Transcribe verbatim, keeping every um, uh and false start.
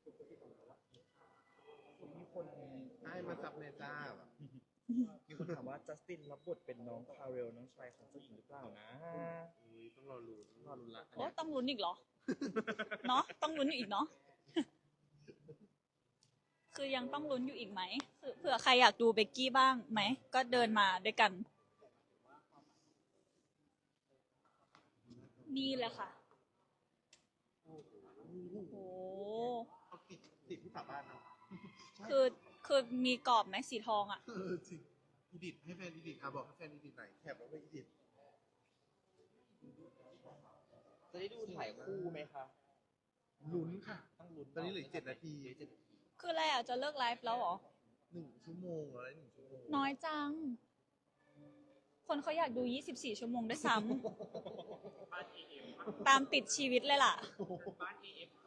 มีคนไอ้มาซับเนจ้าแบบมีคนถามว่าจัสตินรับบทเป็นน้องคาเรลน้องชายของเจ้าหญิงหรือเปล่านะอุ้ยต้องรอลุ้นรอลุ้นละโอ้ต้องลุ้นอีกเหรอ เนาะต้องลุ้นอยู่อีกเนาะ คือยังต้องลุ้นอยู่อีกไหมคือเผื่อใครอยากดูเบกกี้บ้างไหม ก็เดินมาด้วยกัน นี่แหละค่ะ โอ้โหเขาติดติดที่ฝาบ้านเนาะคือ คือมีกรอบไหมสีทองอ่ะเออจริงอีดิทให้แฟนอีดิทอ่ะบอกให้แฟนอีดิทไหนแคปเอาไว้อีดิทจะได้ดูถ่ายคู่ไหมคะลุ้นค่ะต้องลุ้นตอนนี้เหลือเจ็ดนาทีเหลือเจ็ดนาทีคืออะไรอ่ะ จะเลิกไลฟ์แล้วเหรอหนึ่งชั่วโมงอะไรหนึ่งชั่วโมงน้อยจัง คนเขาอยากดู ยี่สิบสี่ ชั่วโมงด้วยซ้ำ ตามติดชีวิตเลยล่ะบ้าน เอ เอฟ